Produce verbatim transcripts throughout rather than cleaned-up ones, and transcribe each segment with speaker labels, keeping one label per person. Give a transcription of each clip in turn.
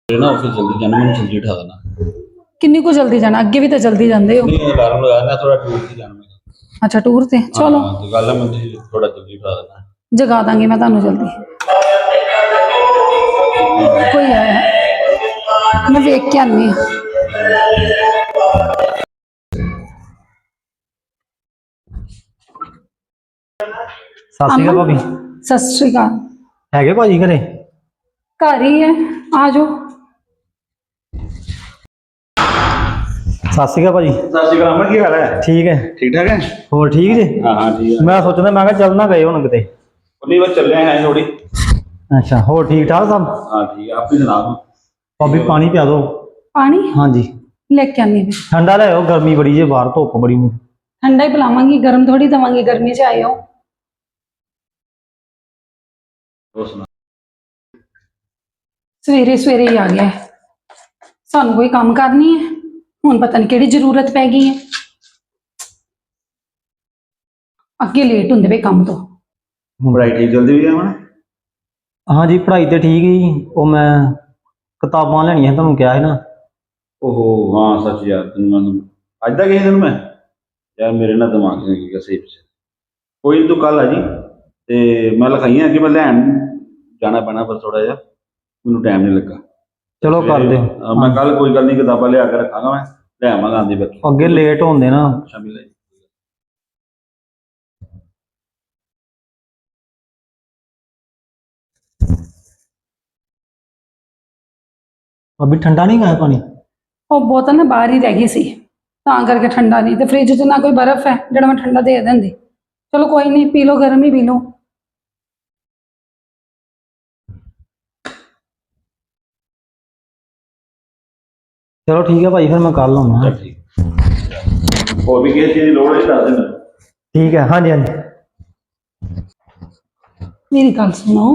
Speaker 1: ना ऑफिस जल्दी जाना, मैंने जल्दी उठा देना।
Speaker 2: किन्नी को जल्दी जाना? अगे भी तो जल्दी जाते हो।
Speaker 1: नहीं अलार्म लगाना, थोड़ा टूर से जाना मैं।
Speaker 2: अच्छा टूर से चलो।
Speaker 1: हाँ तो गल है, मैं थोड़ा जल्दी उठा देना।
Speaker 2: जगा दांगी मैं ਤੁਹਾਨੂੰ जल्दी। कोई आया मैं वेख के आनी।
Speaker 3: सत श्री अकाल भाभी।
Speaker 2: सत श्री अकाल।
Speaker 3: है भाजी घरे?
Speaker 2: घर ही है, आ जाओ।
Speaker 3: सत श्री अकाल भाजी।
Speaker 1: सत श्री अकाल, की हाल है?
Speaker 3: ठीक है।
Speaker 1: ठीक ठाक है?
Speaker 3: होर ठीक जी?
Speaker 1: हाँ हाँ ठीक है।
Speaker 3: मैं सोचना मैं चल ना गए होने किते।
Speaker 1: नहीं बस चल रहे हैं थोड़ी।
Speaker 3: अच्छा होर ठीक ठाक सब?
Speaker 1: हाँ ठीक है, आप ही सुना दो।
Speaker 3: भाभी पानी पिया दो।
Speaker 2: पानी?
Speaker 3: हाँ जी
Speaker 2: लेके आनी मैं।
Speaker 3: ठंडा ले आओ, गर्मी बड़ी है बाहर, धुप बड़ी।
Speaker 2: ठंडा ही पिलावांगी, गर्म थोड़ी देवांगी, गर्मी से आए हो। सवेरे सवेरे ही आ गया है, सानू कोई काम करनी है हुण पता नहीं केड़ी जरूरत पै गई है। अगे लेट होंदे पे काम तो।
Speaker 1: पढ़ाई ठीक चलती हुई है हमारा?
Speaker 3: हाँ जी पढ़ाई तो ठीक ही। वो मैं किताबां लैनियां तुहानू कहा है ना।
Speaker 1: ओहो हाँ सच यार, तेन मैं अज तक दिन मैं यार मेरे ना दिमाग से निकल गया सही से। कोई नहीं तू कल आ जी, ते मैं लिखाई अगे मैं लैन जाना पैना, पर थोड़ा जहा मैनू टाइम नहीं लगा।
Speaker 3: चलो कर दे।
Speaker 1: मैं कल कोई गल नहीं, किताबां लिया के रखांगा, मैं ले आवांगा आंदी बैठी।
Speaker 3: अगे लेट होंदे ना।
Speaker 1: शामी ले
Speaker 3: अभी ठंडा नहीं गया पानी?
Speaker 2: वो बोतल ना बाहर ही रह गई सी, तां करके ठंडा नहीं। तो फ्रिज च ना कोई बर्फ है जो मैं ठंडा दे देंदी। चलो कोई नहीं, पी लो, गर्म ही पी लो।
Speaker 3: चलो ठीक है भाई, फिर मैं कल आऊँगा।
Speaker 1: ठीक और भी किसी चीज़ की लोड़ है दस देना।
Speaker 3: ठीक है हाँ जी हाँ जी।
Speaker 2: मेरी गल सुनो।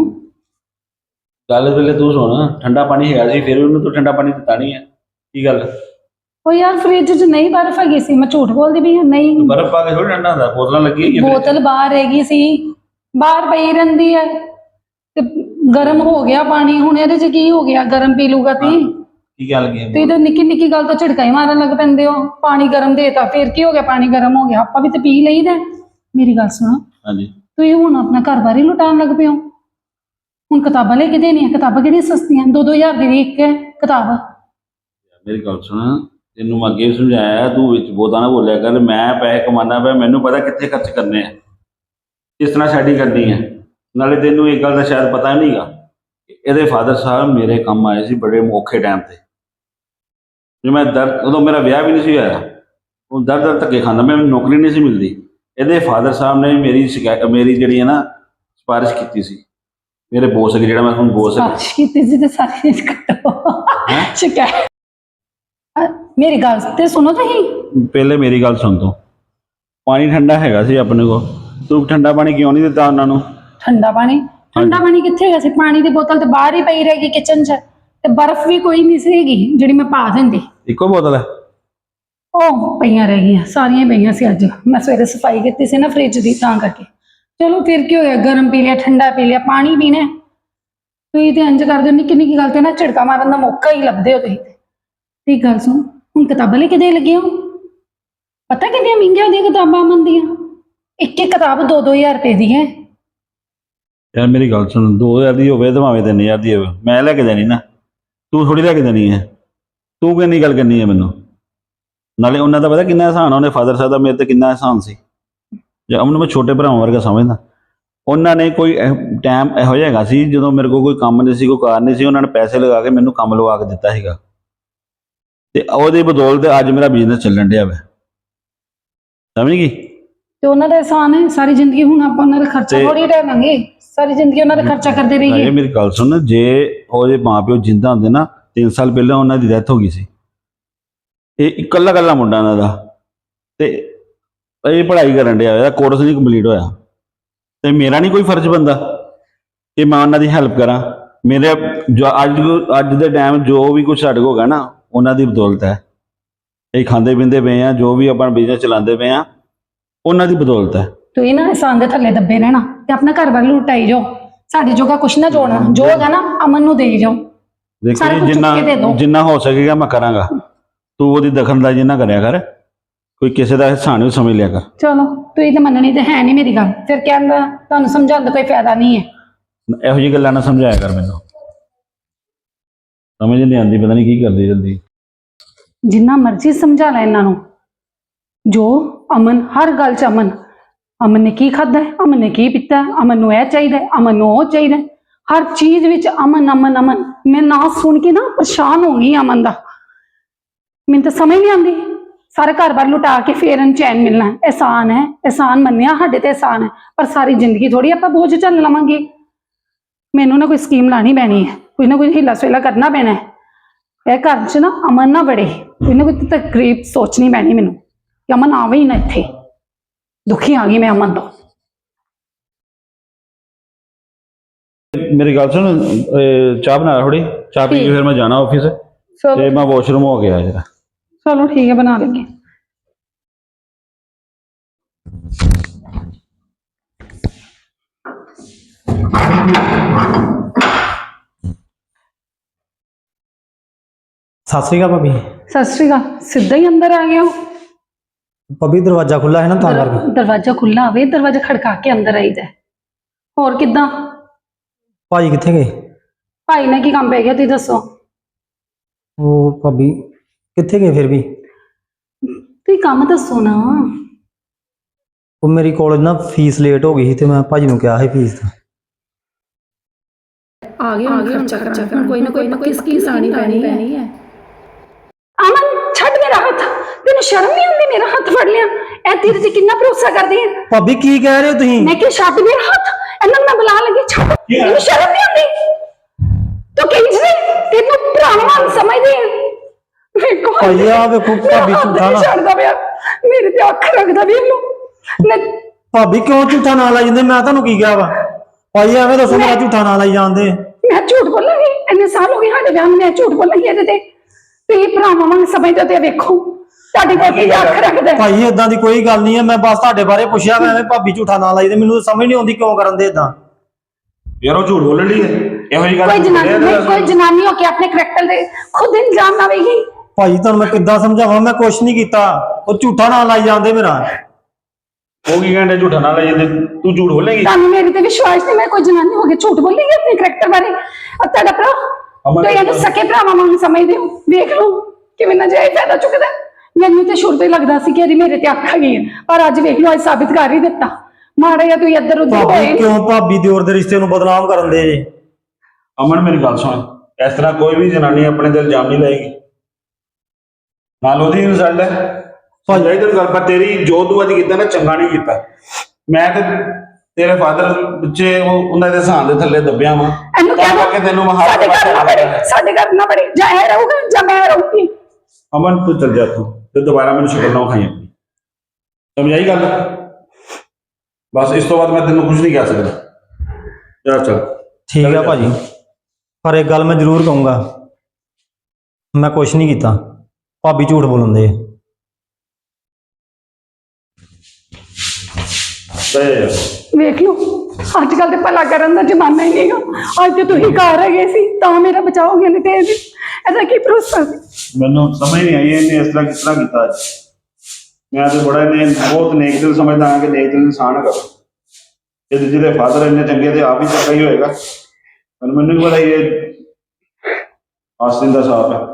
Speaker 1: गल पहले तू सुन, ठंडा पानी है फिर भी तू ठंडा पानी दिता नहीं है, की गल?
Speaker 2: ओ यार फ्रिज च नहीं बर्फ हैगी सी, मैं झूठ बोलदी पई हां। नहीं
Speaker 1: बर्फ पा के थोड़ी ठंडा होता, बोतल लगी है
Speaker 2: बोतल बाहर रहेगी सी, बाहर पई रहिंदी है ते गर्म हो गया पानी। हुण इहदे च की हो गया? गर्म पी लूगा ती
Speaker 1: की गल की
Speaker 2: तुसीं तो निक्की निक्की गल तो झिड़का ही मारन लग पैंदे हो। पानी गर्म देता फिर की हो गया? पानी गर्म हो गया, आपां भी तो पी लईदा। मेरी गल सुनो।
Speaker 1: हाँ जी
Speaker 2: तुसीं हुण अपना घर बार ही लुटान लग पे हो। हुण किताबां लेके देनियां, किताबां किहड़ियां सस्तियां, दो दो हज़ार दी भी इक है किताब।
Speaker 1: मेरी गल सुन, तेनों मैं अगे भी समझाया, तू विच बोता ना बोलिया कर। मैं पैसे कमाना पे, मैनू पता कित्थे खर्च करने हैं, किस तरह सैटिंग करनी है। नाले तेनों एक गल का शायद पता नहीं गा, ਇਹਦੇ फादर साहब मेरे काम आए सी बड़े औखे टाइम ते, जो मैं दर्द उदों मेरा विआह भी नहीं सी होया, वो दर दर धक्के खांदा, मैं नौकरी नहीं सी मिलती। ਇਹਦੇ फादर साहब ने मेरी शिकायत मेरी जी है ना सिफारिश की सी, मेरे बॉस अगे जो मैं हम बॉस
Speaker 2: सिफारिश की सी ते सारी कट्टो शिकायत। मेरी गल ते सुनो तुसीं,
Speaker 1: पहले मेरी गल सुन। तू पानी ठंडा हैगा सी अपने को, तू ठंडा पानी क्यों नहीं दिता उन्होंने?
Speaker 2: ठंडा पानी ठंडा पानी कित्थे हैगा सी? पानी दी बोतल ते बाहर ही पई रहेगी किचन च, ते बर्फ भी कोई नहीं सीगी जिहड़ी मैं पा दिंदी।
Speaker 1: इको बोतल है?
Speaker 2: ਉਹ ਪਈਆਂ ਰਹਿ ਗਈਆਂ, ਸਾਰੀਆਂ ਪਈਆਂ ਸੀ। ਅੱਜ ਮੈਂ ਸਵੇਰੇ ਸਫਾਈ ਕੀਤੀ ਸੀ ਨਾ ਫ੍ਰਿਜ ਦੀ, ਤਾਂ ਕਰਕੇ। ਚਲੋ ਫਿਰ ਕੀ ਹੋਇਆ, ਗਰਮ ਪੀ ਲਿਆ, ਠੰਡਾ ਪੀ ਲਿਆ, ਪਾਣੀ ਪੀਣਾ। ਤੁਸੀਂ ਤੇ ਇੰਜ ਕਰਦੇ ਹੋ, ਨਿੱਕੀ ਨਿੱਕੀ ਗੱਲ ਤੇ ਨਾ ਝਿੜਕਾ ਮਾਰਨ ਦਾ ਮੌਕਾ ਹੀ ਲੱਭਦੇ ਹੋ ਤੁਸੀਂ ਤੇ। ਤੇ ਗੱਲ ਸੁਣ, ਹੁਣ ਕਿਤਾਬਾਂ ਲੈ ਕੇ ਦੇ ਲੱਗੇ ਹੋ, ਪਤਾ ਕਿੰਨੀਆਂ ਮਹਿੰਗੀਆਂ ਹੁੰਦੀਆਂ ਕਿਤਾਬਾਂ ਅਮਨ ਦੀਆਂ? ਇੱਕ ਇੱਕ ਕਿਤਾਬ ਦੋ ਦੋ ਹਜ਼ਾਰ ਰੁਪਏ ਦੀ ਹੈ।
Speaker 1: यार मेरी गल सुन, दो हज़ार की होवे तो भावें तीन हज़ार की होवे, मैं लैके देनी ना, तू थोड़ी लैके देनी है। तू किन्नी गल करनी है मैनू? नाले उन्होंने तो पता कितना एहसान, उन्हें फादर साहब का मेरे ते कितना एहसान सी, उन्होंने मैं छोटे भरावां वर्गा समझदा। उन्होंने कोई टाइम इहो जिहा हैगा सी जदों मेरे को कोई काम नहीं सी, कोई कार नहीं सी, उन्होंने पैसे लगा के मैनू काम लवा के दिता सीगा, ते ओहदी बदौलत अज मेरा बिजनेस चलन दिया वा। समझ गई?
Speaker 2: ਤੇ ਉਹਨਾਂ ਦਾ एहसान है सारी जिंदगी। ਹੁਣ ਆਪਾਂ ਉਹਨਾਂ ਦਾ ਖਰਚਾ ਥੋੜੀ ਢਾਵਾਂਗੇ, सारी जिंदगी ਉਹਨਾਂ ਦਾ ਖਰਚਾ ਕਰਦੇ ਰਹੀਏ।
Speaker 1: ਇਹ ਮੇਰੀ ਗੱਲ ਸੁਣ, ਜੇ ਉਹਦੇ ਮਾਂ ਪਿਓ ਜਿੰਦਾ ਹੁੰਦੇ ਨਾ, ਤਿੰਨ ਸਾਲ ਪਹਿਲਾਂ ਉਹਨਾਂ ਦੀ ਡੈਥ ਹੋ ਗਈ ਸੀ। ਇਹ ਇਕੱਲਾ ਇਕੱਲਾ ਮੁੰਡਾ ਇਹਨਾਂ ਦਾ, ਤੇ ਇਹ ਪੜ੍ਹਾਈ ਕਰਨ ਡਿਆ, ਇਹਦਾ ਕੋਰਸ ਨਹੀਂ ਕੰਪਲੀਟ ਹੋਇਆ, ਤੇ ਮੇਰਾ ਨਹੀਂ ਕੋਈ ਫਰਜ਼ ਬਣਦਾ ਕਿ ਮੈਂ ਉਹਨਾਂ ਦੀ ਹੈਲਪ ਕਰਾਂ। ਮੇਰੇ ਜੋ ਅੱਜ ਅੱਜ ਦੇ ਟਾਈਮ ਜੋ ਵੀ ਕੁਛ ਸਾਡੇ ਕੋਲ ਹੈਗਾ ਨਾ, ਉਹਨਾਂ ਦੀ ਬਦੌਲਤ ਹੈ। ਇਹ ਖਾਂਦੇ ਪੀਂਦੇ ਪਏ ਆ, ਜੋ ਵੀ ਆਪਣਾ ਬਿਜ਼ਨਸ ਚਲਾਉਂਦੇ ਪਏ ਆ, ਉਹਨਾਂ ਦੀ ਬਦੌਲਤ ਹੈ।
Speaker 2: ਤੁਸੀਂ ਨਾ एहसान ਦੇ ਥੱਲੇ ਦੱਬੇ ਰਹਿਣਾ ਤੇ ਆਪਣਾ ਘਰ ਵੱਲ ਲੁਟਾਈ ਜਾਓ, ਸਾਡੇ ਜੋਗਾ ਕੁਛ ਨਾ ਜੋੜਨਾ, ਜੋ ਹੈਗਾ ਨਾ ਅਮਨ ਨੂੰ ਦੇ ਜਾਓ।
Speaker 1: ਦੇਖੋ
Speaker 2: ਸਾਰਾ
Speaker 1: ਜੀ,
Speaker 2: ਕੁਝ
Speaker 1: ਜਿੰਨਾ
Speaker 2: ਚੁੱਕ ਕੇ ਦੇ ਦਿਓ।
Speaker 1: ਜਿੰਨਾ ਹੋ ਸਕੇਗਾ ਮੈਂ ਕਰਾਂਗਾ। ਤੂੰ ਉਹਦੀ ਦਖਲਅੰਦਾਜ਼ੀ ਨਾ ਕਰਿਆ ਕਰ, ਕੋਈ ਕਿਸੇ ਦਾ ਹਿੱਸਾ ਨਹੀਂ ਸਮਝ ਲਿਆ ਕਰ।
Speaker 2: ਚਲੋ ਤੁਸੀਂ ਤਾਂ ਮੰਨਣੀ ਤੇ ਹੈ ਨਹੀਂ ਮੇਰੀ ਗੱਲ, ਫਿਰ ਕਹਿੰਦਾ ਤੁਹਾਨੂੰ ਸਮਝਾਉਣ ਦਾ ਕੋਈ ਫਾਇਦਾ ਨਹੀਂ ਹੈ।
Speaker 1: ਇਹੋ ਜਿਹੀ ਗੱਲਾਂ ਨਾ ਸਮਝਾਇਆ ਕਰ ਮੈਨੂੰ, ਸਮਝ ਨਹੀਂ ਆਉਂਦੀ, ਪਤਾ ਨਹੀਂ ਕੀ ਕਰਦੀ ਜਲਦੀ।
Speaker 2: ਜਿੰਨਾ ਮਰਜ਼ੀ ਸਮਝਾ ਲੈ ਇਹਨਾਂ ਨੂੰ, ਜੋ ਅਮਨ ਹਰ ਗੱਲ 'ਚ ਅਮਨ ਅਮਨ ਨੇ ਕੀ ਖਾਧਾ ਹੈ, ਅਮਨ ਨੇ ਕੀ ਪੀਤਾ ਹੈ, ਅਮਨ ਨੂੰ ਇਹ ਚਾਹੀਦਾ ਹੈ, ਅਮਨ ਨੂੰ ਉਹ ਚਾਹੀਦਾ ਹੈ, ਹਰ ਚੀਜ਼ ਵਿੱਚ ਅਮਨ ਅਮਨ ਅਮਨ। ਮੈਂ ਨਾ ਸੁਣ ਕੇ ਨਾ ਪਰੇਸ਼ਾਨ ਹੋ ਗਈ ਅਮਨ ਦਾ, ਮੈਨੂੰ ਤਾਂ ਸਮਝ ਨਹੀਂ ਆਉਂਦੀ। ਸਾਰਾ ਘਰ-ਬਾਰ ਲੁਟਾ ਕੇ ਫੇਰ ਚੈਨ ਮਿਲਣਾ ਹੈ। ਅਹਿਸਾਨ ਹੈ, ਅਹਿਸਾਨ ਮੰਨਿਆ ਸਾਡੇ ਤੇ ਅਹਿਸਾਨ ਹੈ, ਪਰ ਸਾਰੀ ਜ਼ਿੰਦਗੀ ਥੋੜੀ ਆਪਾਂ ਬੋਝ ਝੱਲ ਲਵਾਂਗੇ। ਮੈਨੂੰ ਨਾ ਕੋਈ ਸਕੀਮ ਲਾਣੀ ਪੈਣੀ ਹੈ, ਕੋਈ ਨਾ ਕੋਈ ਹੀਲਾ ਸਵੇਲਾ ਕਰਨਾ ਪੈਣਾ ਹੈ। ਇਹ ਘਰ 'ਚ ਨਾ ਅਮਨ ਨਾ ਵੜੇ, ਕੋਈ ਨਾ ਕੋਈ ਤਕਰੀਬ ਸੋਚਣੀ ਪੈਣੀ ਮੈਨੂੰ ਕਿ ਅਮਨ ਆਵੇ ਹੀ ਨਾ ਇੱਥੇ। ਦੁਖੀ ਆ ਗਈ ਮੈਂ ਅਮਨ ਤੋਂ।
Speaker 1: ਮੇਰੀ ਗੱਲ ਸੁਣ, ਅਹ ਚਾਹ ਬਣਾ ਥੋੜੀ, ਚਾਹ ਪੀ ਕੇ ਫਿਰ ਮੈਂ ਜਾਣਾ ਆਫਿਸ, ਤੇ ਮੈਂ ਵਾਸ਼ਰੂਮ ਹੋ ਗਿਆ ਜਰਾ।
Speaker 2: ਚਲੋ ਠੀਕ ਹੈ, ਬਣਾ ਲੈਂਗੇ।
Speaker 3: ਸਤਿ ਸ਼੍ਰੀ ਅਕਾਲ ਭਾਬੀ।
Speaker 2: ਸਤਿ ਸ਼੍ਰੀ ਅਕਾਲ। ਸਿੱਧਾ ਹੀ ਅੰਦਰ ਆ ਗਏ ਹੋ?
Speaker 3: ਭਾਬੀ ਦਰਵਾਜ਼ਾ ਖੁੱਲਾ ਹੈ ਨਾ ਤਾਂ ਕਰਕੇ।
Speaker 2: ਦਰ- ਦਰਵਾਜ਼ਾ ਖੁੱਲਾ ਹੋਵੇ, ਦਰਵਾਜ਼ਾ ਖੜਕਾ ਕੇ ਅੰਦਰ ਆਈਦਾ। ਹੋਰ ਕਿੱਦਾਂ?
Speaker 3: ਭਾਜੀ ਕਿੱਥੇ ਗਏ?
Speaker 2: ਭਾਈ ਨੇ ਕੀ ਕੰਮ ਪੈ ਗਿਆ ਤੁਸੀਂ ਦੱਸੋ?
Speaker 3: ਉਹ ਭਾਬੀ ਕਿੱਥੇ ਗਏ ਫਿਰ ਵੀ?
Speaker 2: ਤੁਸੀਂ ਕੰਮ ਦੱਸੋ ਨਾ।
Speaker 3: ਉਹ ਮੇਰੀ ਕਾਲਜ ਨਾ ਫੀਸ ਲੇਟ ਹੋ ਗਈ ਸੀ ਤੇ ਮੈਂ ਭਾਜੀ ਨੂੰ ਕਿਹਾ ਸੀ ਫੀਸ ਦਾ।
Speaker 2: ਆ ਗਏ ਹੁਣ ਖਰਚਾ ਕਰਾਉਣਾ, ਕੋਈ ਨਾ ਕੋਈ ਪੱਕੀ ਸਕੀਮ ਲਾਣੀ ਪੈਣੀ ਹੈ। ਅਮਨ ਛੱਡ ਮੇਰਾ ਹੱਥ, ਤੈਨੂੰ ਸ਼ਰਮ ਨਹੀਂ ਆਉਂਦੀ? ਮੇਰਾ ਹੱਥ ਫੜ ਲਿਆ, ਇਹ ਤੇਰੇ ਤੇ ਕਿੰਨਾ ਭਰੋਸਾ ਕਰਦੀ ਹੈ।
Speaker 3: ਭਾਬੀ ਕੀ ਕਹਿ ਰਹੇ ਹੋ ਤੁਸੀਂ?
Speaker 2: ਮੈਂ ਕਿ ਛੱਡ ਮੇਰਾ ਹੱਥ, ਇਹਨਾਂ ਨੂੰ ਮੈਂ ਬੁਲਾ ਲੱਗੀ, ਛੱਡ। ਤੈਨੂੰ ਸ਼ਰਮ ਨਹੀਂ ਆਉਂਦੀ? ਤੂੰ ਕਿੰਜ ਨੇ ਤੈਨੂੰ ਭਰਾਵਾਂ ਸਮਝਦੀ ਹੈ? ਵੇਖੋ
Speaker 3: ਭਾਈ ਆ ਵੇਖੋ ਭਾਬੀ
Speaker 2: ਹੱਥ
Speaker 3: ਝੂਠਾ
Speaker 2: ਨਹੀਂ
Speaker 3: ਨਾ।
Speaker 2: ਛੱਡਦਾ ਪਿਆ, ਮੇਰੇ ਤੇ ਅੱਖ ਰੱਖਦਾ ਵੀ ਇਹਨੂੰ। ਮੈਂ
Speaker 3: ਭਾਬੀ ਕਿਉਂ ਝੂਠਾ ਨਾ ਲਾਈ ਜਾਂਦੇ? ਮੈਂ ਤੁਹਾਨੂੰ ਕੀ ਕਿਹਾ ਵਾ? ਭਾਈ ਐਵੇਂ ਦੱਸੋ, ਮੇਰਾ ਝੂਠਾ ਨਾ ਲਾਈ ਜਾਂਦੇ।
Speaker 2: ਮੈਂ ਝੂਠ ਬੋਲਾਂਗੀ? ਇੰਨੇ ਸਾਲ ਹੋ ਗਏ ਸਾਡੇ ਵਿਆਹ ਨੂੰ, ਮੈਂ ਝੂਠ ਬੋਲਾਂਗੀ ਇਹਦੇ ਤੇ? ਤੁਸੀਂ ਭਰਾਵਾਂ ਵਾਂਗ ਸਮਝਦੇ ਤੇ ਵੇਖੋ ਤੁਹਾਡੀ ਕੋਲ ਕੀ ਅੱਖ ਰੱਖਦਾ।
Speaker 3: ਭਾਈ ਏਦਾਂ ਦੀ ਕੋਈ ਗੱਲ ਨਹੀਂ ਹੈ, ਮੈਂ ਬਸ ਤੁਹਾਡੇ ਬਾਰੇ ਪੁੱਛਿਆ। ਮੈਂ ਐਵੇਂ ਭਾਬੀ ਝੂਠਾ ਨਾ ਲਾਈ ਦੇ, ਮੈਨੂੰ ਤਾਂ ਸਮਝ ਨਹੀਂ ਆਉਂਦੀ ਕਿਉਂ ਕਰਨ ਦੇ ਏਦਾਂ।
Speaker 1: ਯਾਰ ਉਹ ਝੂਠ ਬੋਲਣ ਲਈ ਹੈ, ਇਹੋ ਜਿਹੀ ਗੱਲ
Speaker 2: ਕੋਈ ਜਨਾਨੀ ਨਹੀਂ, ਕੋਈ ਜਨਾਨੀ ਹੋ ਕੇ ਆਪਣੇ ਕਰੈਕਟਰ ਦੇ ਖੁਦ ਇਲਜ਼ਾਮ ਲਾਵੇਗੀ।
Speaker 3: ਭਾਈ ਤੁਹਾਨੂੰ ਮੈਂ ਕਿੱਦਾਂ ਸਮਝਾਵਾਂ? ਮੈਂ ਕੁਛ ਨਹੀਂ ਕੀਤਾ, ਉਹ ਝੂਠਾ ਨਾ ਲਾਈ ਜਾਂਦੇ ਮੇਰਾ।
Speaker 1: ਉਹ ਕੀ ਕਹਿੰਦੇ ਝੂਠਾ ਨਾ ਲੈ ਜਾਂਦੇ, ਤੂੰ ਝੂਠ ਬੋਲੇਗੀ?
Speaker 2: ਤੁਹਾਨੂੰ ਮੇਰੇ ਤੇ ਵਿਸ਼ਵਾਸ ਨਹੀਂ? ਮੈਂ ਕੋਈ ਜਨਾਨੀ ਹੋ ਕੇ ਝੂਠ ਬੋਲੇਗੀ ਆਪਣੇ ਕਰੈਕਟਰ ਬਾਰੇ? ਔਰ ਤੁਹਾਡਾ ਭਰਾ,
Speaker 1: ਅਮਨ
Speaker 2: ਤੁਸੀਂ ਇਹਨੂੰ ਸਕੇ ਭਰਾਵਾਂ ਵਾਂਗ ਸਮਝਦੇ ਹੋ। ਵੇਖ ਲਓ ਕਿਵੇਂ ਨਜਾਇਜ਼ ਫਾਇਦਾ ਚੁੱਕਦਾ। ਮੈਨੂੰ ਤੇ ਸ਼ੁਰੂ ਤੋਂ ਹੀ ਲੱਗਦਾ ਸੀ ਕਿ ਇਹਦੀ ਮੇਰੇ ਤੇ ਅੱਖ ਹੈਗੀ ਹੈ, ਪਰ ਅੱਜ ਵੇਖ ਲਓ, ਅੱਜ ਸਾਬਿਤ ਕਰ ਹੀ ਦਿੱਤਾ। ਮਾੜਾ ਜਿਹਾ ਤੁਸੀਂ ਇੱਧਰ ਉੱਧਰ
Speaker 3: ਭਾਬੀ
Speaker 2: ਹੋਏ।
Speaker 3: ਕਿਉਂ ਭਾਬੀ ਦਿਓਰ ਦੇ ਰਿਸ਼ਤੇ ਨੂੰ ਬਦਨਾਮ ਕਰਨ ਦੇ ਜੇ?
Speaker 1: ਅਮਨ ਮੇਰੀ ਗੱਲ ਸੁਣ, ਇਸ ਤਰ੍ਹਾਂ ਕੋਈ ਵੀ ਜਨਾਨੀ ਆਪਣੇ ਤੇ ਇਲਜ਼ਾਮ ਨਹੀਂ ਲਾਏਗੀ, ਨਾਲ ਉਹਦੀ ਇਨਸਲਟ ਹੈ। ਭਾਈ ਤੈਨੂੰ ਗੱਲ, ਪਰ ਤੇਰੀ ਜੋ ਤੂੰ ਅੱਜ ਕੀਤਾ ਨਾ, ਚੰਗਾ ਨਹੀਂ ਕੀਤਾ। ਮੈਂ ਤੇ ਤੇਰੇ ਫਾਦਰ ਪਿੱਛੇ ਉਹ ਉਹਨਾਂ ਦੇ ਸਾਹ ਦੇ ਥੱਲੇ ਦੱਬਿਆ ਵਾਂ,
Speaker 2: ਇਹਨੂੰ
Speaker 1: ਤਾਂ
Speaker 2: ਕਹਿ
Speaker 1: ਕਰਕੇ ਤੈਨੂੰ ਮੈਂ ਹਰ
Speaker 2: ਸਾਡੇ ਘਰ ਨਾ
Speaker 1: ਪਾਸੇ
Speaker 2: ਬੜੇ, ਸਾਡੇ ਘਰ ਨਾ ਬੜੇ, ਜਾਂ ਇਹ ਰਹੂਗਾ ਜਾਂ ਮੈਂ ਰਹੂੰਗੀ।
Speaker 1: ਅਮਨ ਤੂੰ ਚੱਲ ਜਾ ਤੂੰ, ਤੇ ਦੁਬਾਰਾ ਮੈਨੂੰ ਸ਼ਕਲ ਨਾ ਖਾਈ ਆਪਣੀ, ਸਮਝਾਈ ਗੱਲ? ਬਸ ਇਸ ਤੋਂ ਬਾਅਦ ਮੈਂ ਤੈਨੂੰ ਕੁਝ ਨਹੀਂ ਕਹਿ ਸਕਦਾ। ਚੱਲ ਚੱਲ
Speaker 3: ਠੀਕ ਹੈ ਭਾਜੀ, ਪਰ ਇੱਕ ਗੱਲ ਮੈਂ ਜ਼ਰੂਰ ਕਹੂੰਗਾ, ਮੈਂ ਕੁਛ ਨਹੀਂ ਕੀਤਾ। ਭਾਬੀ ਝੂਠ ਬੋਲਦੇ।
Speaker 2: ਵੇਖ ਲਓ ਅੱਜ ਕੱਲ ਤੇ ਭਲਾ ਕਰਨ ਦਾ ਜ਼ਮਾਨਾ ਹੀ ਨਹੀਂਗਾ। ਅੱਜ ਤੇ ਤੁਸੀਂ ਘਰ ਹੈਗੇ ਸੀ ਤਾਂ ਮੇਰਾ ਬਚਾਓਗੇ, ਨਹੀਂ ਤੇ ਇਹਦੀ- ਇਹਦਾ ਕੀ ਭਰੋਸਾ ਸੀ?
Speaker 1: ਮੈਨੂੰ ਸਮਝ ਨਹੀਂ ਆਈ ਇਹਨੇ ਇਸ ਤਰ੍ਹਾਂ ਕਿਸ ਤਰ੍ਹਾਂ ਕੀਤਾ ਅੱਜ। ਮੈਂ ਤੇ ਬੜਾ ਇਹਨੇ ਬਹੁਤ ਨੇਕ ਦਿਲ ਸਮਝਦਾ ਹਾਂ ਕਿ ਨੇਕ ਦਿਲ ਇਨਸਾਨ ਹੈਗਾ। ਇਹ ਜਿਹਦੇ ਫਾਦਰ ਇੰਨੇ ਚੰਗੇ ਤੇ ਆਪ ਹੀ ਚੰਗਾ ਹੀ ਹੋਏਗਾ। ਪਰ ਮੈਨੂੰ ਵੀ ਪਤਾ ਇਹ ਆਸਤਿਨ ਦਾ ਸਾਫ ਹੈ।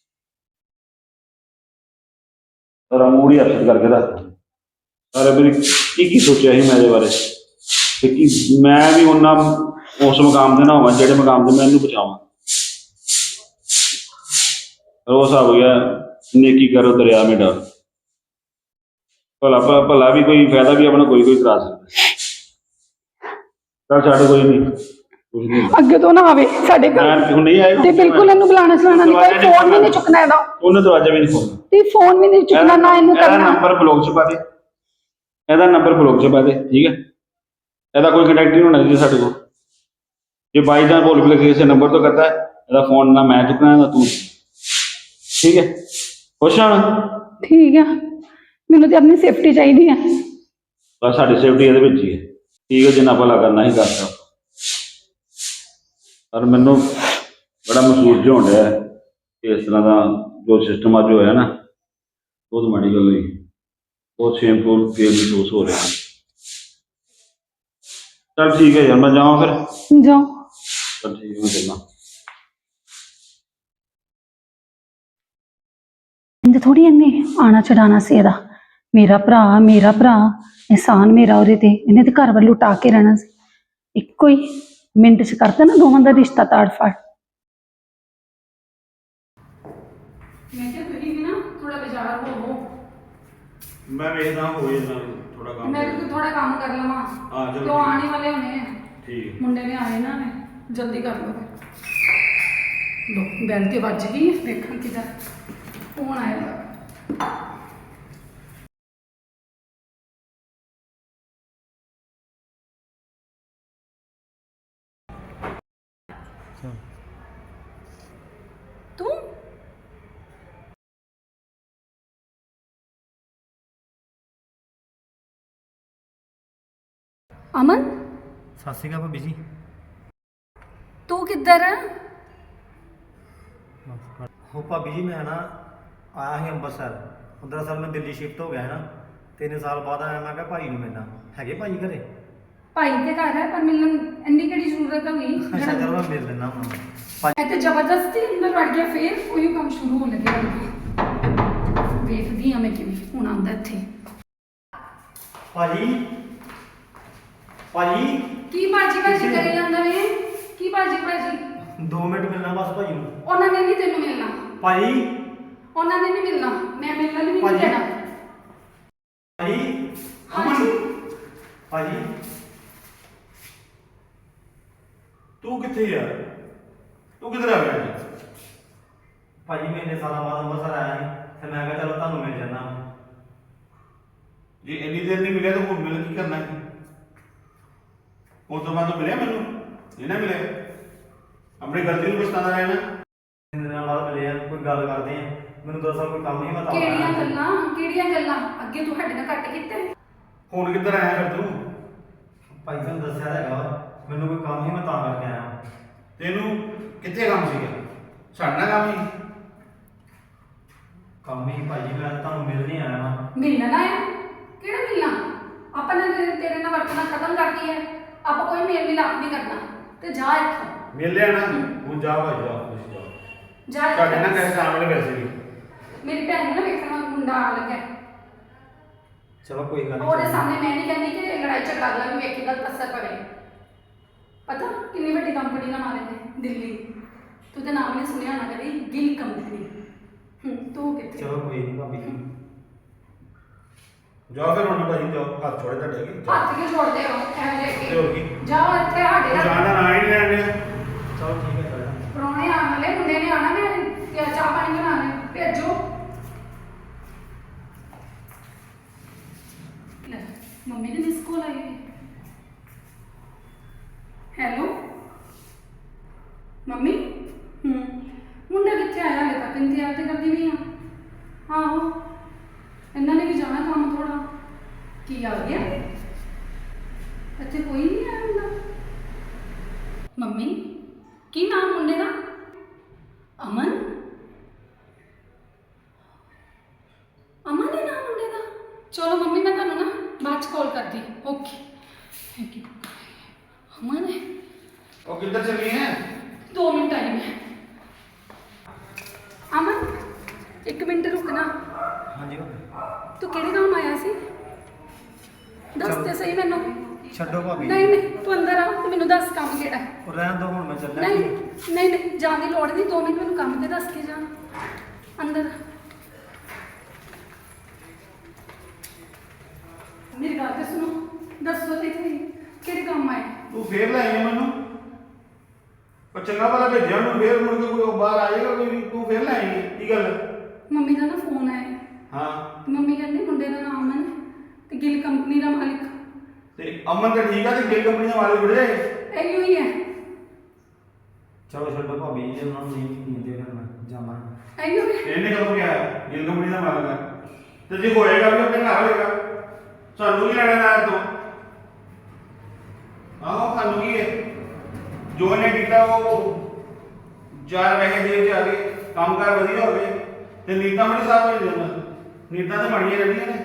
Speaker 1: ਪਰ ਮੂੜੀ ਹੱਥ ਕਰਕੇ ਰੱਖ ਸਾਰੇ ਮੇਰੀ ਕੀ ਕੀ ਸੋਚਿਆ ਸੀ ਮੈਂ ਇਹਦੇ ਬਾਰੇ, ਤੇ ਕੀ ਮੈਂ ਵੀ ਉਹਨਾਂ ਉਸ ਮੁਕਾਮ ਤੇ ਨਾ ਹੋਵਾਂ ਜਿਹੜੇ ਮੁਕਾਮ ਤੇ ਮੈਂ ਇਹਨੂੰ ਬਚਾਵਾਂ। ਰੋਸ ਆ ਗਿਆ, ਨੇਕੀ ਕਰੋ ਦਰਿਆ ਮੇਂ ਡਾਲ। ਭਲਾ ਭਲਾ ਵੀ ਕੋਈ ਫਾਇਦਾ ਵੀ ਆਪਣਾ ਕੋਈ ਕੋਈ ਕਰਾ ਸਕਦਾ। ਚੱਲ ਛੱਡ, ਕੋਈ ਨਹੀਂ, ਕੁਝ ਨਹੀਂ।
Speaker 2: ਅੱਗੇ ਤੋਂ ਨਾ ਆਵੇ ਸਾਡੇ ਘਰ
Speaker 1: ਮੈਂ ਹੁਣ ਨਹੀਂ ਆਏਗਾ
Speaker 2: ਤੇ ਬਿਲਕੁਲ ਇਹਨੂੰ ਬੁਲਾਣਾ ਸੁਣਾਣਾ ਨਹੀਂ, ਕੋਈ ਫੋਨ ਵੀ ਨਹੀਂ ਚੁੱਕਣਾ ਇਹਦਾ।
Speaker 1: ਉਹਨੇ ਦਰਵਾਜ਼ਾ ਵੀ ਨਹੀਂ ਖੋਲ੍ਹਣਾ।
Speaker 2: ਤੇ ਫੋਨ ਵੀ ਨਹੀਂ ਚੁੱਕਣਾ ਨਾ ਇਹਨੂੰ
Speaker 1: ਇਹਦਾ
Speaker 2: ਕਰਨਾ।
Speaker 1: ਨੰਬਰ ਬਲੌਕ ਚ ਪਾ ਦੇ, ਇਹਦਾ ਨੰਬਰ ਬਲੌਕ ਚ ਪਾ ਦੇ, ਠੀਕ ਹੈ? ਇਹਦਾ ਕੋਈ ਕੰਟੈਕਟ ਨਹੀਂ ਹੋਣਾ ਜੀ ਸਾਡੇ ਕੋਲ। ਜੇ ਬਾਈ ਚਾਂਸ ਭੁੱਲ ਵੀ ਕਿਸੇ ਨੰਬਰ ਤੋਂ ਕਰਦਾ, ਇਹਦਾ ਫੋਨ ਨਾ ਮੈਂ ਚੁੱਕਣਾ ਨਾ ਤੂੰ, ਠੀਕ ਹੈ? ਖੁਸ਼ ਹਾਂ?
Speaker 2: ਠੀਕ ਆ, ਮੈਨੂੰ ਤੇ ਆਪਣੀ ਸੇਫਟੀ ਚਾਹੀਦੀ ਹੈ।
Speaker 1: ਬਸ ਸਾਡੀ ਸੇਫਟੀ ਇਹਦੇ ਵਿੱਚ ਹੀ ਹੈ, ਠੀਕ ਹੈ? ਜਿੰਨਾ ਭਲਾ ਕਰਨਾ ਹੀ ਕਰਦਾ। ਪਰ ਮੈਨੂੰ ਬੜਾ ਮਹਿਸੂਸ ਜਿਹਾ ਹੋਣ ਡਿਆ ਹੈ ਕਿ ਇਸ ਤਰ੍ਹਾਂ ਦਾ ਜੋ ਸਿਸਟਮ ਅੱਜ ਹੋਇਆ ਨਾ, ਬਹੁਤ ਮਾੜੀ ਗੱਲ ਹੋਈ। ਬਹੁਤ ਸ਼ੇਮਫੁਲ ਫੀਲ ਮਹਿਸੂਸ ਹੋ ਰਿਹਾ। ਚੱਲ ਠੀਕ ਹੈ ਯਾਰ, ਮੈਂ ਜਾਵਾਂ ਫਿਰ।
Speaker 2: ਜਾਓ।
Speaker 1: ਚੱਲ ਠੀਕ ਹੈ, ਮੈਂ ਚੱਲਾਂ।
Speaker 2: ਇੰਜ ਥੋੜੀ ਇਹਨੇ ਆਣਾ ਚੜਾਣਾ ਸੀ ਇਹਦਾ। ਮੇਰਾ ਭਰਾ ਮੇਰਾ ਭਰਾ ਇਹਸਾਨ ਮੇਰਾ ਉਹਦੇ ਤੇ, ਇਹਨੇ ਤੇ ਘਰ ਵੱਲ ਲੁਟਾ ਕੇ ਰਹਿਣਾ ਸੀ। ਇੱਕੋ ਹੀ ਮਿੰਟ 'ਚ ਕਰਤਾ ਨਾ ਦੋਵਾਂ ਦਾ ਰਿਸ਼ਤਾ ਤਾੜ ਫਾੜ। ਮੈਂ ਕਿਹਾ ਤੁਸੀਂ ਵੀ ਨਾ ਥੋੜਾ ਬਾਜ਼ਾਰ ਹੋਵੋ।
Speaker 1: ਮੈਂ ਵੇਖਦਾ ਹੋ ਜਾਂਦਾ ਥੋੜਾ ਕੰਮ।
Speaker 2: ਮੈਂ ਵੀ ਥੋੜਾ ਕੰਮ ਕਰ ਲਵਾਂ।
Speaker 1: ਹਾਂ ਚਲੋ।
Speaker 2: ਕਿਉਂ ਆਣੇ ਵਾਲੇ ਹੋਣੇ ਆ।
Speaker 1: ਠੀਕ।
Speaker 2: ਮੁੰਡੇ ਨੇ ਆਏ ਨਾ, ਜਲਦੀ ਕਰ ਲਓ। ਲੋ ਬੈਲ ਤੇ ਵੱਜ ਗਈ, ਵੇਖਾਂ ਕਿਦਾ ਫੋਨ ਆਇਆ। ਤੂੰ ਅਮਨ,
Speaker 3: ਸਤਿ ਸ਼੍ਰੀ ਅਕਾਲ ਭਾਬੀ ਜੀ।
Speaker 2: ਤੂੰ ਕਿੱਧਰ ਆ?
Speaker 3: ਹੋ ਭਾਬੀ ਜੀ, ਮੈਂ ਨਾ ਆਇਆ ਸੀ ਅੰਮ੍ਰਿਤਸਰ। ਦਰਅਸਲ ਮੈਂ ਦਿੱਲੀ ਸ਼ਿਫਟ ਹੋ ਗਿਆ ਹੈ ਨਾ, ਤਿੰਨ ਸਾਲ ਬਾਅਦ ਆਇਆ। ਮੈਂ ਕਿਹਾ ਭਾਈ ਨੂੰ ਮਿਲਣਾ। ਹੈਗੇ ਭਾਈ ਘਰੇ?
Speaker 2: ਭਾਈ ਦੇ ਘਰ ਹੈ ਪਰ ਮਿਲਣ ਇੰਨੀ ਕਿਹੜੀ ਜ਼ਰੂਰਤ ਹੋ ਗਈ?
Speaker 3: ਅੱਛਾ ਚਲੋ ਮੈਂ ਮਿਲ ਲੈਣਾ ਉਹਨਾਂ ਨੂੰ।
Speaker 2: ਮੈਂ ਤੇ ਜ਼ਬਰਦਸਤੀ ਅੰਦਰ ਵੜ ਗਿਆ, ਫੇਰ ਉਹੀ ਕੰਮ ਸ਼ੁਰੂ ਹੋਣ ਲੱਗਿਆ। ਵੇਖਦੀ ਆ ਮੈਂ ਕਿਵੇਂ ਹੁਣ ਆਉਂਦਾ ਇੱਥੇ।
Speaker 3: ਭਾਜੀ ਭਾਜੀ
Speaker 2: ਕੀ ਬਾਜੀ ਬਾਜੀ ਕਰੀ ਜਾਂਦਾ ਵੇ? ਕੀ ਬਾਜੀ ਬਾਜੀ?
Speaker 3: ਦੋ ਮਿੰਟ ਮਿਲਣਾ ਬਸ ਭਾਈ ਨੂੰ।
Speaker 2: ਉਹਨਾਂ ਨੇ ਨਹੀਂ ਤੈਨੂੰ ਮਿਲਣਾ
Speaker 3: ਭਾਜੀ
Speaker 2: ਉਹਨਾਂ ਨੇ ਨਹੀਂ ਮਿਲਣਾ। ਮੈਂ ਮਿਲਣਾ ਨਹੀਂ
Speaker 3: ਭਾਜੀ।
Speaker 2: ਦੇਣਾ।
Speaker 3: ਭਾਜੀ
Speaker 2: ਹਾਂਜੀ
Speaker 3: ਭਾਜੀ
Speaker 1: ਤੂੰ ਕਿੱਥੇ ਯਾਰ? ਤੂੰ ਕਿੱਧਰ ਆ ਗਿਆ ਜੀ?
Speaker 3: ਭਾਜੀ ਮੈਂ ਇੰਨੇ ਸਾਲਾਂ ਬਾਅਦ ਅੰਮ੍ਰਿਤਸਰ ਆਇਆ ਸੀ ਤੇ ਮੈਂ ਕਿਹਾ ਚਲੋ ਤੁਹਾਨੂੰ ਮਿਲ ਜਾਣਾ।
Speaker 1: ਜੇ ਇੰਨੀ ਦੇਰ ਨਹੀਂ ਮਿਲਿਆ ਤਾਂ ਹੁਣ ਮਿਲ ਕੀ ਕਰਨਾ ਹੈ? ਉਸ ਤੋਂ ਬਾਅਦ ਮਿਲਿਆ ਮੈਨੂੰ ਇਹ ਨਾ ਮਿਲਿਆ। ਆਪਣੀ ਗਲਤੀ ਨੂੰ ਪਛਤਾਉਂਦਾ ਰਹਿਣਾ।
Speaker 3: ਤਿੰਨ ਦਿਨਾਂ ਬਾਅਦ ਮਿਲੇ ਆ, ਕੋਈ ਗੱਲ ਕਰਦੇ ਆ। ਮੈਨੂੰ ਦਰਅਸਲ ਕੋਈ ਕੰਮ ਹੀ ਮੈਂ ਤਾਂ
Speaker 2: ਕਿਹੜੀਆਂ ਗੱਲਾਂ ਕਿਹੜੀਆਂ ਗੱਲਾਂ ਅੱਗੇ ਤੂੰ ਸਾਡੇ ਨਾਲ ਕੱਟ ਕੀਤੇ?
Speaker 1: ਹੁਣ ਕਿੱਧਰ ਆਇਆ ਫਿਰ ਤੂੰ?
Speaker 3: ਭਾਈ ਤੁਹਾਨੂੰ ਦੱਸਿਆ ਤਾਂ ਹੈਗਾ, ਮੈਨੂੰ ਕੋਈ ਕੰਮ ਹੀ ਮੈਂ ਤਾਂ ਕਰਕੇ ਆਇਆ।
Speaker 1: ਤੈਨੂੰ ਕਿੱਥੇ ਕੰਮ ਸੀਗਾ? ਸਾਡਾ ਕੰਮ ਹੀ
Speaker 3: ਕੰਮ ਹੀ ਭਾਜੀ, ਮੈਂ ਤਾਂ ਤੁਹਾਨੂੰ ਮਿਲ ਨਹੀਂ ਆਇਆ ਨਾ।
Speaker 2: ਮਿਲਣਾ ਆਇਆ? ਕਿਹੜਾ ਮਿਲਣਾ? ਆਪਾਂ ਨੇ ਤੇਰੇ ਤੇਰੇ ਨਾਲ ਵਰਤਣਾ ਖਤਮ ਕਰਤੀ ਹੈ। ਆਪਾਂ ਕੋਈ ਮੇਲ ਮਿਲਾਪ ਨਹੀਂ ਕਰਨਾ। ਤੇ ਜਾ ਇੱਥੋਂ।
Speaker 1: ਮਿਲ ਲਿਆ ਨਾ, ਹੁਣ ਜਾ ਭਾਈ ਜਾ ਤੁਸੀਂ ਜਾ।
Speaker 2: ਜਾ
Speaker 1: ਸਾਡੇ ਨਾਲ
Speaker 2: ਇੱਥੋਂ।
Speaker 1: ਕਿਸੇ ਕੰਮ ਵਾਲੇ ਵੈਸੇ ਵੀ
Speaker 2: ਮੇਰੀ ਭੈਣ ਨੂੰ ਨਾ ਵੇਖਣ ਵਾਲਾ ਮੁੰਡਾ ਆਉਣ ਲੱਗਾ।
Speaker 3: ਚਲੋ ਕੋਈ ਗੱਲ ਨਹੀਂ।
Speaker 2: ਉਹਦੇ ਸਾਹਮਣੇ ਮੈਂ ਨਹੀਂ ਕਹਿੰਦੀ ਕਿ ਲੜਾਈ ਝਗੜਾ ਅਗਲਾ ਵੀ ਵੇਖੇ ਗਲਤ ਅਸਰ ਪਵੇ। ਪਤਾ ਕਿੰਨੀ ਵੱਡੀ ਕੰਪਨੀ ਨਾਲ ਮਾਰੇ ਨੇ ਦਿੱਲੀ। ਤੂੰ ਤੇ ਨਾਮ ਨਹੀਂ ਸੁਣਿਆ ਹੋਣਾ ਕਦੀ, ਗਿਲ ਕੰਪਨੀ। ਹੂੰ ਤੂੰ ਕਿੱਥੇ?
Speaker 3: ਚਲੋ ਕੋਈ ਨਹੀਂ ਭਾਬੀ ਜੀ।
Speaker 1: ਜਾਓ ਫਿਰ ਹੁਣ ਭਾਈ ਜਾਓ, ਹੱਥ ਛੋੜੇ ਤੁਹਾਡੇ ਅੱਗੇ।
Speaker 2: ਹੱਥ ਕਿਉਂ ਛੋੜਦੇ ਹੋ ਐਵੇਂ
Speaker 1: ਤੇ ਹੋਰ ਕੀ?
Speaker 2: ਦੇ? ਜਾਓ ਇੱਥੇ ਸਾਡੇ ਨਾਲ।
Speaker 1: ਜਾਣ ਦਾ ਨਾਂ ਹੀ ਨਹੀਂ ਲੈਣ ਡਿਆ।
Speaker 3: ਚਲੋ ਠੀਕ ਹੈ ਚਲੋ।
Speaker 2: ਪ੍ਰਾਹੁਣੇ ਆਉਣ ਵਾਲੇ, ਮੁੰਡੇ ਨੇ ਆਉਣਾ। ਮੈਂ ਕਿਆ ਚਾਹ ਪਾਣੀ ਬਣਾਉਣੇ, ਭੇਜੋ। ਲੈ ਮੰਮੀ ਨੇ ਮਿਸ ਕਾਲ ਆਈ ਹੋਈ। Hello mummy. ਹੂੰ ਮੁੰਡਾ ਕਿੱਥੇ ਆਇਆ? ਹਾਲੇ ਤੱਕ ਇੰਤਜ਼ਾਰ ਤੇ ਕਰਦੀ ਵੀ ਆ। ਆਹੋ ਇਹਨਾਂ ਨੇ ਵੀ ਜਾਣਾ ਕੰਮ ਥੋੜਾ। ਕੀ ਆ ਗਿਆ? ਇੱਥੇ ਕੋਈ ਨਹੀਂ ਆਇਆ ਮੁੰਡਾ। ਮੰਮੀ ਕੀ ਨਾਮ ਮੁੰਡੇ ਦਾ? ਅਮਨ। ਅਮਨ ਹੈ ਨਾਮ ਮੁੰਡੇ ਦਾ? ਚਲੋ ਮੰਮੀ ਮੈਂ ਤੁਹਾਨੂੰ ਨਾ ਬਾਅਦ ਚ ਕਾਲ ਕਰਦੀ। Okay thank you. ਅਮਨ ਹੈ?
Speaker 1: ਉਹ ਕਿੱਧਰ ਚੱਲੀ ਹੈ?
Speaker 2: ਦੋ ਮਿੰਟ ਟਾਈਮ ਹੈ। ਅਮਨ ਇੱਕ ਮਿੰਟ ਰੁਕਣਾ।
Speaker 3: ਹਾਂਜੀ
Speaker 2: ਤੂੰ ਕਿਹੜੇ ਕੰਮ ਆਇਆ ਸੀ? ਦੱਸ ਤੇ ਸਹੀ ਮੈਨੂੰ।
Speaker 3: ਛੱਡੋ ਭਾਬੀ।
Speaker 2: ਨਹੀਂ ਨਹੀਂ ਤੂੰ ਅੰਦਰ ਆ ਤੇ ਮੈਨੂੰ ਦੱਸ ਕੰਮ ਕਿਹੜਾ ਹੈ।
Speaker 3: ਉਹ ਰਹਿਣ ਦੋ, ਹੁਣ ਮੈਂ ਚੱਲਿਆ।
Speaker 2: ਨਹੀਂ ਨਹੀਂ ਨਹੀਂ ਜਾਣ ਦੀ ਲੋੜ ਨਹੀਂ। ਦੋ ਮਿੰਟ ਮੈਨੂੰ ਕੰਮ ਤੇ ਦੱਸ ਕੇ ਜਾ। ਅੰਦਰ ਮੇਰੀ ਗੱਲ ਤੇ ਸੁਣੋ। ਦੱਸੋ ਤੇ ਸਹੀ ਕਿਹੜੇ ਕੰਮ ਆਏ?
Speaker 1: ਤੂੰ ਫੇਰ ਲੈ ਆਈ ਮੈਨੂੰ। ਉਹ ਚੰਗਾ ਭਲਾ ਭੇਜਿਆ ਉਹਨੂੰ, ਫੇਰ ਮੁੜ ਕੇ ਕੋਈ ਬਾਹਰ ਆ ਜਾਏਗਾ ਕੋਈ ਵੀ। ਤੂੰ ਫੇਰ ਲੈ ਆਈ ਕੀ ਗੱਲ?
Speaker 2: ਮੰਮੀ ਦਾ ਨਾ ਫੋਨ ਆਇਆ।
Speaker 1: ਹਾਂ
Speaker 2: ਤੇ ਮੰਮੀ ਕਹਿੰਦੇ ਮੁੰਡੇ ਦਾ ਨਾਮ ਅਮਨ ਹੈ ਤੇ ਗਿੱਲ ਕੰਪਨੀ ਦਾ ਮਾਲਿਕ।
Speaker 1: ਤੇ ਅਮਨ ਤਾਂ ਠੀਕ ਆ ਤੇ ਗਿੱਲ ਕੰਪਨੀ ਦਾ ਮਾਲਿਕ ਬੜੇ।
Speaker 2: ਇਹੋ ਹੀ ਹੈ।
Speaker 3: ਚਲੋ ਛੱਡੋ ਭਾਬੀ ਜੀ, ਉਹਨਾਂ ਨੂੰ ਨਹੀਂ ਦਿੰਦੇ ਫਿਰ ਮੈਂ ਜਾਵਾਂ।
Speaker 2: ਇਹੋ ਹੀ ਹੈ।
Speaker 1: ਇਹਨੇ ਕਦੋਂ ਕਿਹਾ ਗਿੱਲ ਕੰਪਨੀ ਦਾ ਮਾਲਕ ਹੈ? ਤੇ ਜੇ ਹੋਏਗਾ ਵੀ ਆਪਣੇ ਘਰ ਹੋਏਗਾ, ਸਾਨੂੰ ਕੀ ਲੈਣਾ ਨਾ ਤੋਂ? ਆਹੋ ਸਾਨੂੰ ਕੀ ਹੈ? ਜੋ ਇਹਨੇ ਕੀਤਾ ਉਹ ਚਾਰ ਪੈਸੇ ਜੇਬ 'ਚ ਆ ਗਏ, ਕੰਮਕਾਰ ਵਧੀਆ ਹੋ ਗਏ ਤੇ ਨੀਤਾਂ ਬੜੀ ਸਾਫ਼ ਹੋ ਜਾਂਦਾ। ਨੀਤਾਂ ਤਾਂ ਬਣੀਆਂ ਰਹਿੰਦੀਆਂ ਨੇ,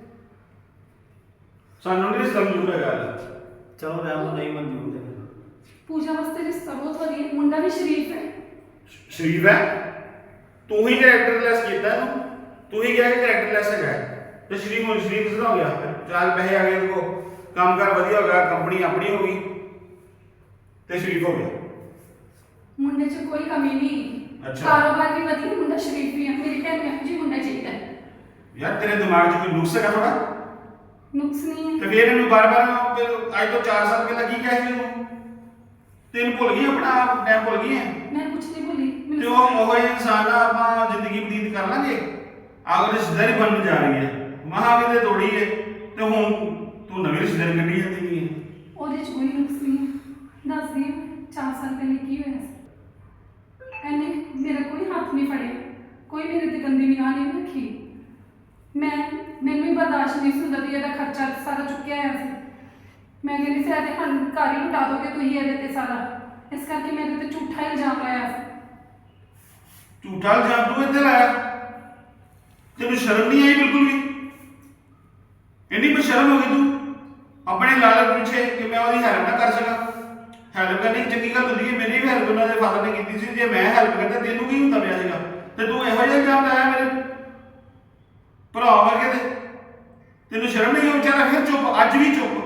Speaker 1: ਸਾਨੂੰ ਨਹੀਂ ਰਿਸ਼ਤਾ ਮਨਜ਼ੂਰ ਹੈਗਾ।
Speaker 3: ਚਲੋ ਰਹਿਣ ਦਿਓ, ਨਹੀਂ ਮਨਜ਼ੂਰ ਤੇ ਫਿਰ।
Speaker 2: ਪੂਜਾ ਵਾਸਤੇ ਰਿਸ਼ਤਾ ਬਹੁਤ ਵਧੀਆ, ਮੁੰਡਾ ਵੀ ਸ਼ਰੀਫ ਹੈ।
Speaker 1: ਸ਼ਰੀਫ ਹੈ? ਤੂੰ ਹੀ ਕਰੈਕਟਰਲੈਸ ਕੀਤਾ ਇਹਨੂੰ, ਤੂੰ ਹੀ ਕਿਹਾ ਕਿ ਕਰੈਕਟਰਲੈਸ ਹੈਗਾ ਹੈ। ਤੇ ਸ਼ਰੀਫ ਹੁਣ ਸ਼ਰੀਫ ਕਿਸ ਤਰ੍ਹਾਂ ਹੋ ਗਿਆ? ਚਾਰ ਪੈਸੇ ਆ ਗਏ ਦੇਖੋ, ਕੰਮਕਾਰ ਵਧੀਆ ਹੋ ਗਿਆ, ਕੰਪਨੀ ਆਪਣੀ ਹੋ ਗਈ ਤੇ ਸ਼ਰੀਫ ਹੋ ਗਿਆ।
Speaker 2: ਮੁੰਡੇ 'ਚ ਕੋਈ ਕਮੀ ਨਹੀਂ,
Speaker 1: ਅੱਛਾ।
Speaker 2: ਕਾਰੋਬਾਰ ਵੀ ਵਧੀਆ, ਮੁੰਡਾ ਸ਼ਰੀਫ ਵੀ ਹੈ। ਮੇਰੀ ਭੈਣ ਨੂੰ ਇਹੋ ਜਿਹੀ ਮੁੰਡਾ ਚਾਹੀਦਾ ਹੈ।
Speaker 1: ਯਾਰ ਤੇਰੇ ਦਿਮਾਗ 'ਚ ਕੋਈ ਨੁਕਸ ਹੈਗਾ ਥੋੜਾ?
Speaker 2: ਨੁਕਸ ਨਹੀਂ ਹੈ।
Speaker 1: ਤੇ ਫਿਰ ਇਹਨੂੰ ਬਾਰ-ਬਾਰ ਫਿਰ ਅੱਜ ਤੋਂ ਚਾਰ ਸਾਲ ਪਹਿਲਾਂ ਕੀ ਕਿਹਾ ਸੀ ਇਹਨੂੰ? ਤੈਨੂੰ ਭੁੱਲ ਗਈ, ਆਪਣਾ ਟਾਈਮ ਭੁੱਲ ਗਈ ਹੈ?
Speaker 2: ਮੈਂ ਕੁਝ ਨਹੀਂ ਭੁੱਲੀ। ਮੈਨੂੰ
Speaker 1: ਤੇ ਉਹ ਉਹ ਜਿਹੇ ਇਨਸਾਨ ਨਾਲ ਆਪਾਂ ਜ਼ਿੰਦਗੀ ਬਤੀਤ ਕਰ ਲਾਂਗੇ? ਅਗਰ ਰਿਸ਼ਤੇਦਾਰੀ ਬਣਨ ਜਾ ਰਹੀ ਹੈ, ਮਹਾਂ ਵੀ ਤੇ ਤੋੜੀ ਹੈ ਤੇ ਹੁਣ ਤੂੰ ਨਵੀਂ ਰਿਸ਼ਤੇਦਾਰੀ ਕੱਢੀ ਜਾਂਦੀ ਨਹੀਂ ਹੈ।
Speaker 2: ਉਹਦੇ 'ਚ ਕੋਈ ਨੁਕਸ ਨਹੀਂ ਹੈ। ਦੱਸਦੀ ਹਾਂ, ਚਾਰ ਸਾਲ ਪਹਿਲੇ ਕੀ ਹੋਇਆ ਸੀ। ਇਹਨੇ ਮੇਰਾ ਕੋਈ ਹੱਥ ਨਹੀਂ ਫੜਿਆ, ਕੋਈ ਮੇਰੇ ਤੇ ਗੰਦੀ ਨਿਗਾਹ ਨਹੀਂ ਰੱਖੀ। ਮੈਂ ਮੈਨੂੰ ਹੀ ਬਰਦਾਸ਼ਤ ਨਹੀਂ ਸੀ ਹੁੰਦਾ ਵੀ ਇਹਦਾ ਖਰਚਾ ਸਾਰਾ ਚੁੱਕਿਆ ਹੋਇਆ ਸੀ। ਮੈਂ ਕਹਿੰਦੀ ਸੀ ਇਹਦੇ ਹਣ ਘਰ ਹੀ ਲੁਟਾ ਦੋਗੇ ਤੁਸੀਂ ਇਹਦੇ ਤੇ ਸਾਰਾ, ਇਸ ਕਰਕੇ ਮੇਰੇ ਤੇ ਝੂਠਾ ਇਲਜ਼ਾਮ ਲਾਇਆ ਸੀ।
Speaker 1: ਝੂਠਾ ਇਲਜ਼ਾਮ ਤੂੰ ਇੱਥੇ ਲਾਇਆ? ਤੈਨੂੰ ਸ਼ਰਮ ਨਹੀਂ ਆਈ ਬਿਲਕੁਲ ਵੀ? ਇੰਨੀ ਬੇਸ਼ਰਮ ਹੋ ਗਈ ਤੂੰ ਆਪਣੇ ਲਾਲਚ ਪਿੱਛੇ ਕਿ ਮੈਂ ਉਹਦੀ ਹੈਲਪ ਨਾ ਕਰ ਸਕਾਂ। ਹੈਲਪ ਕਰਨੀ ਚੰਗੀ ਗੱਲ ਹੁੰਦੀ ਹੈ, ਮੇਰੀ ਵੀ ਹੈਲਪ ਉਹਨਾਂ ਦੇ ਫਾਦਰ ਨੇ ਕੀਤੀ ਸੀ। ਜੇ ਮੈਂ ਹੈਲਪ ਕਰਦਾ ਤੈਨੂੰ ਕੀ ਹੁੰਦਾ ਪਿਆ ਸੀਗਾ? ਤੇ ਤੂੰ ਇਹੋ ਜਿਹਾ ਇਲਜ਼ਾਮ ਲਾਇਆ ਮੇਰੇ ਭਰਾ ਵਰਗੇ ਤੇ? ਤੈਨੂੰ ਸ਼ਰਮ ਨਹੀਂ ਆਈ? ਵਿਚਾਰਾ ਫਿਰ ਚੁੱਪ, ਅੱਜ ਵੀ ਚੁੱਪ।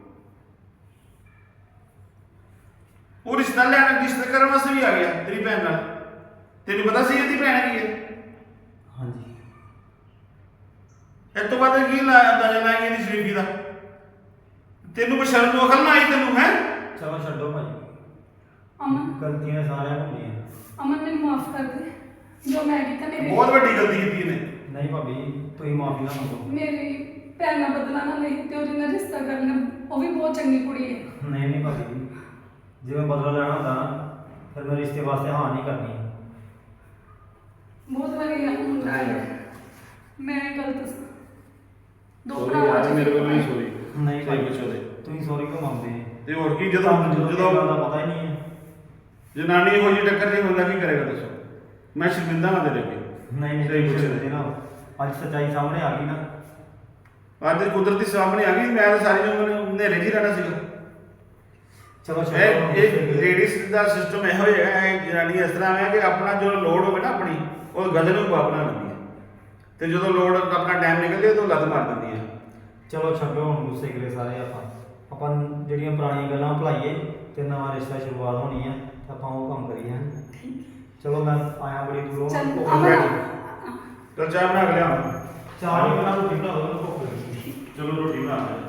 Speaker 1: ਉਹ ਰਿਸ਼ਤਾ ਲੈਣ, ਰਿਸ਼ਤਾ ਕਰਨ ਵਾਸਤੇ ਵੀ ਆ ਗਿਆ ਤੇਰੀ ਭੈਣ ਨਾਲ। ਤੈਨੂੰ ਪਤਾ ਸੀ ਇਹਦੀ ਭੈਣ ਕੀ ਹੈ?
Speaker 3: ਹਾਂਜੀ।
Speaker 1: ਇਸ ਤੋਂ ਬਾਅਦ ਕੀ ਲਾਇਆ ਅੰਦਾਜ਼ਾ ਲਾਇਆ ਇਹਦੀ ਸ਼ਰੀਫੀ ਦਾ? ਤੈਨੂੰ ਕੋਈ ਸ਼ਰਮ ਨੂੰ ਅਕਲ ਨਾ ਆਈ ਤੈਨੂੰ? ਹੈ
Speaker 3: ਚਲੋ ਛੱਡੋ ਭਾਈ,
Speaker 2: ਅਮਨ
Speaker 3: ਗਲਤੀਆਂ ਸਾਰਿਆਂ ਨੂੰ ਹੁੰਦੀਆਂ।
Speaker 2: ਅਮਨ ਮੈਨੂੰ ਮਾਫ ਕਰ ਦੇ, ਜੋ ਮੈਂ ਕੀਤਾ ਮੇਰੇ
Speaker 1: ਬਹੁਤ ਵੱਡੀ ਗਲਤੀ ਕੀਤੀ ਇਹਨੇ।
Speaker 3: ਨਹੀਂ ਭਾਬੀ, ਤੁਸੀਂ ਮਾਫੀ ਨਾ ਮੰਗੋ।
Speaker 2: ਮੇਰੀ ਭੈਣ ਨਾਲ ਬਦਲਾ ਨਾ ਲਈ ਤੇ ਉਹਦੇ ਨਾਲ ਰਿਸ਼ਤਾ ਕਰ ਲੈ। ਉਹ ਵੀ ਬਹੁਤ ਚੰਗੀ ਕੁੜੀ ਹੈ।
Speaker 3: ਨਹੀਂ ਨਹੀਂ ਭਾਬੀ, ਜੇ ਮੈਂ ਬਦਲਾ ਲੈਣਾ ਹੁੰਦਾ ਨਾ ਫਿਰ ਮੈਂ ਰਿਸ਼ਤੇ ਵਾਸਤੇ ਹਾਂ ਨਹੀਂ ਕਰਨੀ।
Speaker 2: ਬਹੁਤ ਵਧੀਆ ਮੁੰਡਾ ਹੈ। ਮੈਂ ਗਲਤ ਸੀ। ਦੋ
Speaker 1: Sorry
Speaker 2: ਭਰਾਵਾਂ
Speaker 1: ਯਾਰ,
Speaker 2: ਚ
Speaker 1: ਮੇਰੇ ਵੱਲੋਂ ਹੀ sorry।
Speaker 3: ਨਹੀਂ ਭਾਈ,
Speaker 1: ਕੁਛ ਹੋਵੇ
Speaker 3: ਤੁਸੀਂ ਸੌਰੀ ਕਿਉਂ ਮੰਗਦੇ?
Speaker 1: ਤੇ ਹੋਰ ਕੀ,
Speaker 3: ਤੁਹਾਨੂੰ
Speaker 1: ਜਦੋਂ
Speaker 3: ਜਦੋਂ
Speaker 1: ਜਦੋਂ
Speaker 3: ਦਾ ਪਤਾ ਹੀ ਨਹੀਂ ਹੈ।
Speaker 1: ਜਨਾਨੀ ਇਹੋ ਜਿਹੀ ਟੱਕਰ ਜੇ ਬੰਦਾ ਕੀ ਕਰੇਗਾ ਦੱਸੋ? ਮੈਂ ਸ਼ਰਮਿੰਦਾ ਹਾਂ ਤੇਰੇ ਅੱਗੇ।
Speaker 3: ਨਹੀਂ ਨਹੀਂ
Speaker 1: ਸਹੀ
Speaker 3: ਤੁਸੀਂ
Speaker 1: ਪੁੱਛਿਆ।
Speaker 3: ਛੱਡਦੇ ਨਾ, ਅੱਜ ਸੱਚਾਈ ਸਾਹਮਣੇ ਆ ਗਈ ਨਾ।
Speaker 1: ਅੱਜ ਕੁਦਰਤੀ ਸਾਹਮਣੇ ਆ ਗਈ। ਮੈਂ ਤਾਂ ਸਾਰੀ ਉਮਰ ਹਨੇਰੇ 'ਚ ਹੀ ਰਹਿਣਾ ਸੀਗਾ।
Speaker 3: ਚਲੋ ਛੱਡੋ।
Speaker 1: ਇਹ ਇਹ ਲੇਡੀਜ਼ ਦਾ ਸਿਸਟਮ ਇਹੋ ਹੀ ਹੈਗਾ। ਇਹ ਜਨਾਨੀ ਇਸ ਤਰ੍ਹਾਂ ਹੈ ਕਿ ਆਪਣਾ ਜੋ ਲੋੜ ਹੋਵੇ ਨਾ ਆਪਣੀ, ਉਹ ਗਲ ਨੂੰ ਬਾਪਣਾ ਲੈਂਦੀ ਹੈ ਤੇ ਜਦੋਂ ਲੋੜ ਆਪਣਾ ਟਾਈਮ ਨਿਕਲਦੇ ਤਾਂ ਲੱਤ ਮਾਰ ਦਿੰਦੀ ਹੈ।
Speaker 3: ਚਲੋ ਛੱਡੋ ਹੁਣ ਗੁੱਸੇ ਕਰੇ ਸਾਰੇ। ਆਪਾਂ ਆਪਾਂ ਜਿਹੜੀਆਂ ਪੁਰਾਣੀਆਂ ਗੱਲਾਂ ਭੁਲਾਈਏ ਤੇ ਨਵਾਂ ਰਿਸ਼ਤਾ ਸ਼ੁਰੂਆਤ ਹੋਣੀ ਹੈ ਤਾਂ ਆਪਾਂ ਉਹ ਕੰਮ ਕਰੀਏ। ਹੈਂ। ਚਲੋ ਮੈਂ ਆਇਆ ਬੜੀ ਦੂਰੋਂ।
Speaker 2: ਚੱਲ
Speaker 3: ਭੁੱਖ
Speaker 2: ਅਮਨ
Speaker 3: ਲੱਗੀ।
Speaker 1: ਚਲ ਚਾਹ ਬਣਾ ਕੇ ਲਿਆਵਾਂ।
Speaker 3: ਚਾਹ ਨਹੀਂ ਬਣਾ, ਰੋਟੀ ਬਣਾ ਦੋ, ਮੈਨੂੰ ਭੁੱਖ ਲੱਗੀ।
Speaker 1: ਚਲੋ ਰੋਟੀ ਬਣਾ ਲੈ।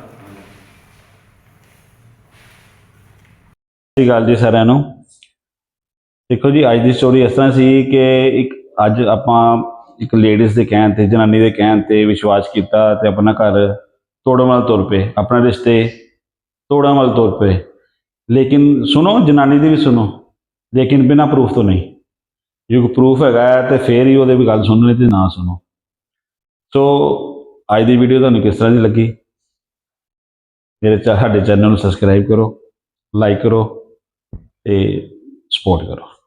Speaker 4: ਸਤਿ ਸ਼੍ਰੀ ਅਕਾਲ ਜੀ ਸਾਰਿਆਂ ਨੂੰ। ਦੇਖੋ ਜੀ, ਅੱਜ ਦੀ ਸਟੋਰੀ ਇਸ ਤਰ੍ਹਾਂ ਸੀ ਕਿ ਇੱਕ ਅੱਜ ਆਪਾਂ ਇੱਕ ਲੇਡੀਜ਼ ਦੇ ਕਹਿਣ ਤੇ, ਜਨਾਨੀ ਦੇ ਕਹਿਣ ਤੇ ਵਿਸ਼ਵਾਸ ਕੀਤਾ ਤੇ ਆਪਣਾ ਘਰ ਤੋੜਨ ਵੱਲ ਤੁਰ ਪਏ, ਆਪਣਾ ਰਿਸ਼ਤੇ ਤੋੜਨ ਵੱਲ ਤੁਰ ਪਏ। ਲੇਕਿਨ ਸੁਣੋ, ਜਨਾਨੀ ਦੀ ਵੀ ਸੁਣੋ, ਲੇਕਿਨ ਬਿਨਾਂ ਪ੍ਰੂਫ ਤੋਂ ਨਹੀਂ। ਜੇ ਕੋਈ ਪ੍ਰੂਫ ਹੈਗਾ ਤੇ ਫਿਰ ਹੀ ਉਹਦੇ ਵੀ ਗੱਲ ਸੁਣਨੀ, ਤੇ ਨਾ ਸੁਣੋ। ਸੋ ਅੱਜ ਦੀ ਵੀਡੀਓ ਤੁਹਾਨੂੰ ਕਿਸ ਤਰ੍ਹਾਂ ਦੀ ਲੱਗੀ? ਮੇਰੇ ਚਾ ਸਾਡੇ ਚੈਨਲ ਨੂੰ ਸਬਸਕ੍ਰਾਈਬ ਕਰੋ, ਲਾਈਕ ਕਰੋ ਤੇ ਸਪੋਰਟ ਕਰੋ।